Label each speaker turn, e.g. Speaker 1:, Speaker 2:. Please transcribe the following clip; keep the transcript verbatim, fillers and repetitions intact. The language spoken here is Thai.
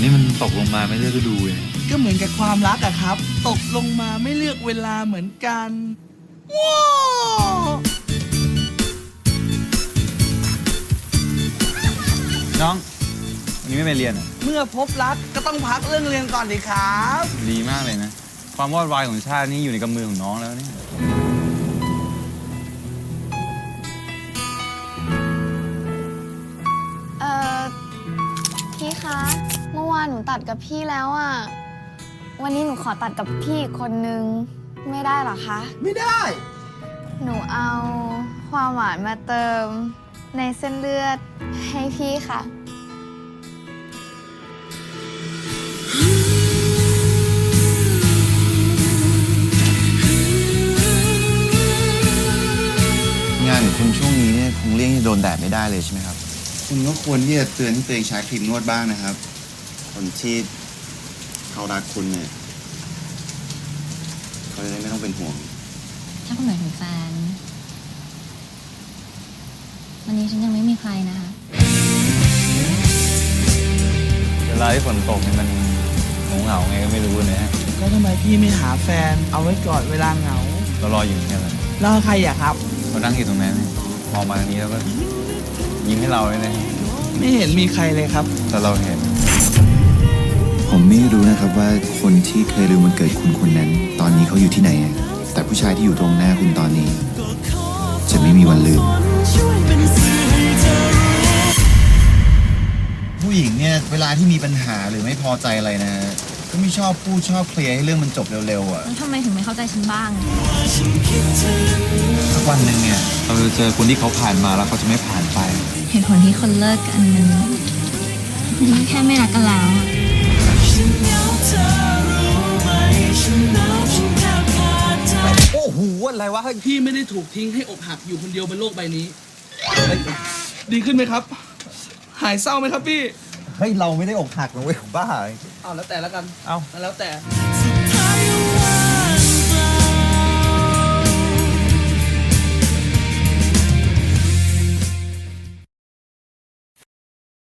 Speaker 1: นี่มันตกลงมาไม่เลือกฤดูเลย
Speaker 2: ก็เหมือนกับความรักอะครับตกลงมาไม่เลือกเวลาเหมือนกันว้าว
Speaker 1: น้องวันนี้ไม่ไปเรียนอ่ะ
Speaker 2: เมื่อพบรักก็ต้องพักเรื่องเรียนก่อนดิครับ
Speaker 1: ดีมากเลยนะความวอดวายของชาตินี่อยู่ในกำมือของน้องแล้วเนี่ย
Speaker 3: เอ่อพี่คะเมื่อวานหนูตัดกับพี่แล้วอะวันนี้หนูขอตัดกับพี่อีกคนนึงไม่ได้หรอคะ
Speaker 2: ไม่ได้
Speaker 3: หนูเอาความหวานมาเติมในเส้นเลือดให้พี่ค่ะ
Speaker 4: งานของคุณช่วงนี้เนี่ยคงเลี่ยงที่โดนแดดไม่ได้เลยใช่ไหมครับคุณก็ควรที่จะเตือนตัวเองใช้ครีมนวดบ้างนะครับคนที่เขารักคุณเนี่ยเขาจะได้ไม่ต้องเป็นห่วง
Speaker 5: ถ้าคุณหมายถึงแฟนวันนี้ฉันยังไม่มีใครนะคะ
Speaker 1: เวลาที่ฝนตกเนี่ยมันเหงาๆไงก็ไม่รู้นะฮะ
Speaker 2: ก็ทำไมพี่ไม่หาแฟนเอาไว้ก่อนเวลาเหงา
Speaker 1: เรารออยู่เนี่ยแหละ
Speaker 2: แล้วใครอะครับ
Speaker 1: เรานั่งอยู่ตรงนั้นมองมาทางนี้แล้วก็ยิ้มให้เราเลยนะ
Speaker 2: ไม่เห็นมีใครเลยครับ
Speaker 1: แต่เราเห็น
Speaker 4: ผมไม่รู้นะครับว่าคนที่เคยลืมวันเกิดคุณคนนั้นตอนนี้เขาอยู่ที่ไหนแต่ผู้ชายที่อยู่ตรงหน้าคุณตอนนี้จะไม่มีวันลืมผู้หญิงเนี่ยเวลาที่มีปัญหาหรือไม่พอใจอะไรนะก็ไม่ชอบพูดชอบเคลียร์ให้เรื่องมันจบเร็วๆอ่ะ
Speaker 5: แล้วทำไมถึงไม่เข้าใจฉันบ้าง
Speaker 4: สักวันหนึ่งเนี่ย
Speaker 1: เราจะเจอคนที่เขาผ่านมาแล้วเขาจะไม่ผ่านไป
Speaker 5: เหตุผลที่คนเลิกกันมันมันแค่ไม่รักกันแล้ว
Speaker 2: โอ้โหอะไรวะพี่ไม่ได้ถูกทิ้งให้อกหักอยู่คนเดียวบนโลกใบนี้ดีขึ้นไหมครับหายเศร้าไหมครับพี่
Speaker 4: เฮ้ยเราไม่ได้อกหักนะเว้ยบ้า
Speaker 2: เอาแล้วแต่แล้วกัน
Speaker 1: เอา
Speaker 2: แล้วแต่